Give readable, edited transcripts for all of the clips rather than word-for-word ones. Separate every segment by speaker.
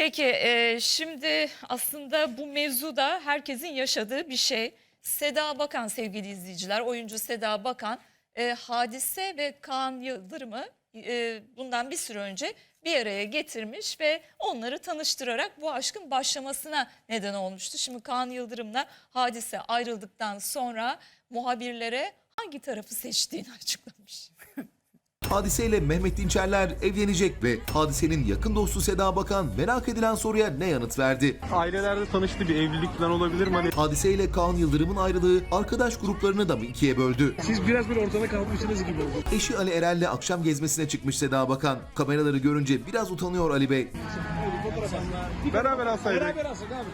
Speaker 1: Peki şimdi aslında bu mevzuda herkesin yaşadığı bir şey. Seda Bakan sevgili izleyiciler, oyuncu Seda Bakan Hadise ve Kaan Yıldırım'ı bundan bir süre önce bir araya getirmiş ve onları tanıştırarak bu aşkın başlamasına neden olmuştu. Şimdi Kaan Yıldırım'la Hadise ayrıldıktan sonra muhabirlere hangi tarafı seçtiğini açıklamış.
Speaker 2: Hadise ile Mehmet Dinçerler evlenecek ve Hadise'nin yakın dostu Seda Bakan merak edilen soruya ne yanıt verdi?
Speaker 3: Ailelerde tanıştı, bir evlilik falan olabilir mi? Hani
Speaker 2: Hadise ile Kaan Yıldırım'ın ayrılığı arkadaş gruplarını da mı ikiye böldü?
Speaker 4: Siz biraz böyle ortada kalmışsınız gibi oldu.
Speaker 2: Eşi Ali Erel'le akşam gezmesine çıkmış Seda Bakan. Kameraları görünce biraz utanıyor Ali Bey.
Speaker 3: beraber alsaydık.
Speaker 4: Beraber alsak abi.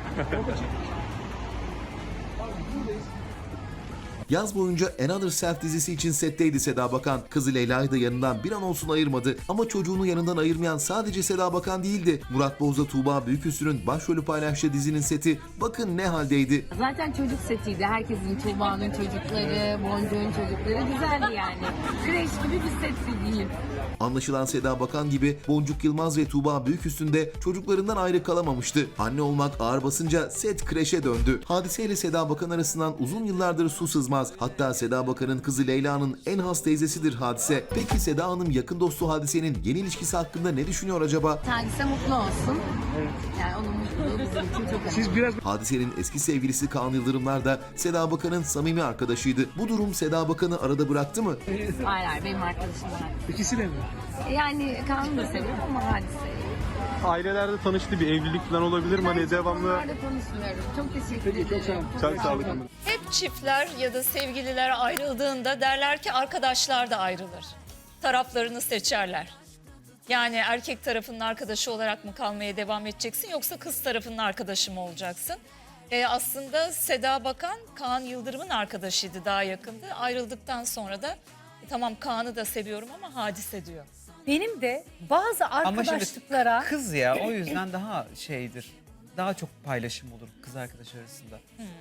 Speaker 2: Yaz boyunca Another Self dizisi için setteydi Seda Bakan. Kızı Leyla'yı da yanından bir an olsun ayırmadı. Ama çocuğunu yanından ayırmayan sadece Seda Bakan değildi. Murat Boz'la Tuğba Büyüküstü'nün başrolü paylaştığı dizinin seti bakın ne haldeydi.
Speaker 5: Zaten çocuk setiydi. Herkesin, Tuğba'nın çocukları, Boncuk'un çocukları güzeldi yani. Kreş gibi bir setti diyeyim.
Speaker 2: Anlaşılan Seda Bakan gibi Boncuk Yılmaz ve Tuğba Büyüküstün de çocuklarından ayrı kalamamıştı. Anne olmak ağır basınca set kreşe döndü. Hadise ile Seda Bakan arasından uzun yıllardır su sızmaz. Hatta Seda Bakan'ın kızı Leyla'nın en has teyzesidir Hadise. Peki Seda Hanım yakın dostu Hadise'nin yeni ilişkisi hakkında ne düşünüyor acaba?
Speaker 5: Hadise mutlu olsun. Yani onun mutluluğu bizim için çok önemli.
Speaker 4: Siz biraz
Speaker 2: Hadise'nin eski sevgilisi Kaan Yıldırımlar da Seda Bakan'ın samimi arkadaşıydı. Bu durum Seda Bakan'ı arada bıraktı mı?
Speaker 5: Hayır, benim arkadaşım var.
Speaker 4: ikisi de mi?
Speaker 5: Yani Kaan'ı da seviyorum ama Hadise'yi.
Speaker 3: Ailelerde tanıştı, bir evlilik falan olabilir mi? Hani devamlı.
Speaker 5: Onlarla konuşmuyorum. Çok teşekkür ederim.
Speaker 4: çok sağ olun.
Speaker 3: Çok sağ olun.
Speaker 1: Hep çiftler ya da sevgililer ayrıldığında derler ki arkadaşlar da ayrılır. Taraflarını seçerler. Yani erkek tarafının arkadaşı olarak mı kalmaya devam edeceksin yoksa kız tarafının arkadaşı mı olacaksın? Aslında Seda Bakan Kaan Yıldırım'ın arkadaşıydı, daha yakındı. Ayrıldıktan sonra da tamam Kaan'ı da seviyorum ama Hadise diyor.
Speaker 6: Benim de bazı
Speaker 7: Ama şimdi
Speaker 6: arkadaşlıklara
Speaker 7: kız ya o yüzden daha şeydir. Daha çok paylaşım olur kız arkadaş arasında.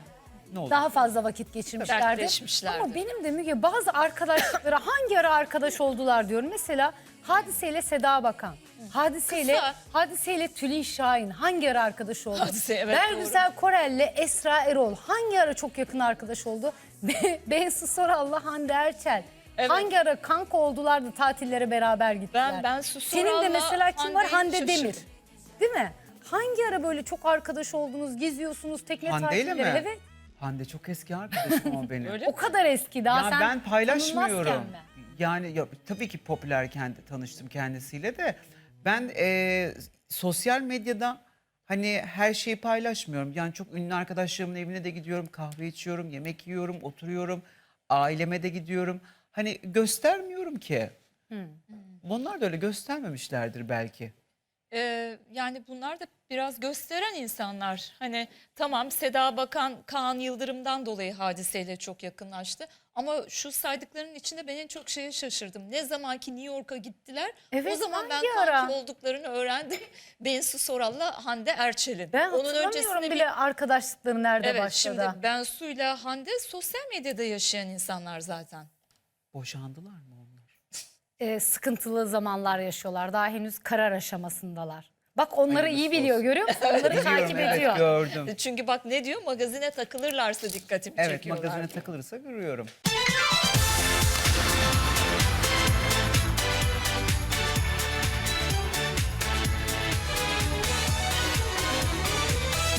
Speaker 7: Ne olur?
Speaker 6: daha fazla vakit geçirmişlerdi.
Speaker 1: Dertleşmişlerdi.
Speaker 6: Ama benim de Müge bazı arkadaşlıklara hangi ara arkadaş oldular diyorum. Mesela Hadise ile Seda Bakan.
Speaker 1: Kısa.
Speaker 6: Hadise ile Tülin Şahin hangi ara arkadaş oldu?
Speaker 1: Hadise, evet,
Speaker 6: Bergüzel Korel ile Esra Erol hangi ara çok yakın arkadaş oldu? Bensu Soral'la Hande Erçel.
Speaker 1: Evet.
Speaker 6: Hangi ara kanka oldular da tatillere beraber gittiler?
Speaker 1: Bensu
Speaker 6: Senin de
Speaker 1: Soral'la
Speaker 6: mesela kim var?
Speaker 1: Hande'yi
Speaker 6: Hande Demir.
Speaker 1: şaşırdım.
Speaker 6: Değil mi? Hangi ara böyle çok arkadaş oldunuz, geziyorsunuz, tekne
Speaker 7: Hande ile
Speaker 6: tatilleri?
Speaker 7: mi?
Speaker 6: Evet.
Speaker 7: Hande çok eski arkadaşım ama benim.
Speaker 1: Öyle
Speaker 6: O kadar eski daha
Speaker 7: Ya
Speaker 6: sen
Speaker 7: ben paylaşmıyorum.
Speaker 6: tanınmazken mi?
Speaker 7: Yani ya, tabii ki popülerken de tanıştım kendisiyle de. Ben sosyal medyada hani her şeyi paylaşmıyorum. Yani çok ünlü arkadaşlarımın evine de gidiyorum, kahve içiyorum, yemek yiyorum, oturuyorum. Aileme de gidiyorum. Hani göstermiyorum ki. Onlar da öyle göstermemişlerdir belki.
Speaker 1: Yani bunlar da biraz gösteren insanlar. Hani tamam Seda Bakan Kaan Yıldırım'dan dolayı Hadiseyle çok yakınlaştı. Ama şu saydıklarının içinde ben en çok şeye şaşırdım. Ne zamanki New York'a gittiler
Speaker 6: Evet,
Speaker 1: o zaman ben
Speaker 6: hangi
Speaker 1: kanki
Speaker 6: ara?
Speaker 1: olduklarını öğrendim. Bensu Soral'la Hande Erçel'in.
Speaker 6: Ben hatırlamıyorum bile arkadaşlıkları nerede
Speaker 1: Evet,
Speaker 6: başladı.
Speaker 1: şimdi Bensu'yla Hande sosyal medyada yaşayan insanlar zaten.
Speaker 7: Boşandılar mı onlar?
Speaker 6: Sıkıntılı zamanlar yaşıyorlar. Daha henüz karar aşamasındalar. Bak onları iyi
Speaker 7: Hayırlısı
Speaker 6: biliyor
Speaker 7: olsun.
Speaker 6: görüyor musun? Onları
Speaker 7: Biliyorum,
Speaker 6: takip
Speaker 7: evet,
Speaker 6: ediyor.
Speaker 7: gördüm.
Speaker 1: Çünkü bak ne diyor, magazine takılırlarsa dikkatimi
Speaker 7: Evet,
Speaker 1: çekiyorlar.
Speaker 7: magazine takılırsa görüyorum.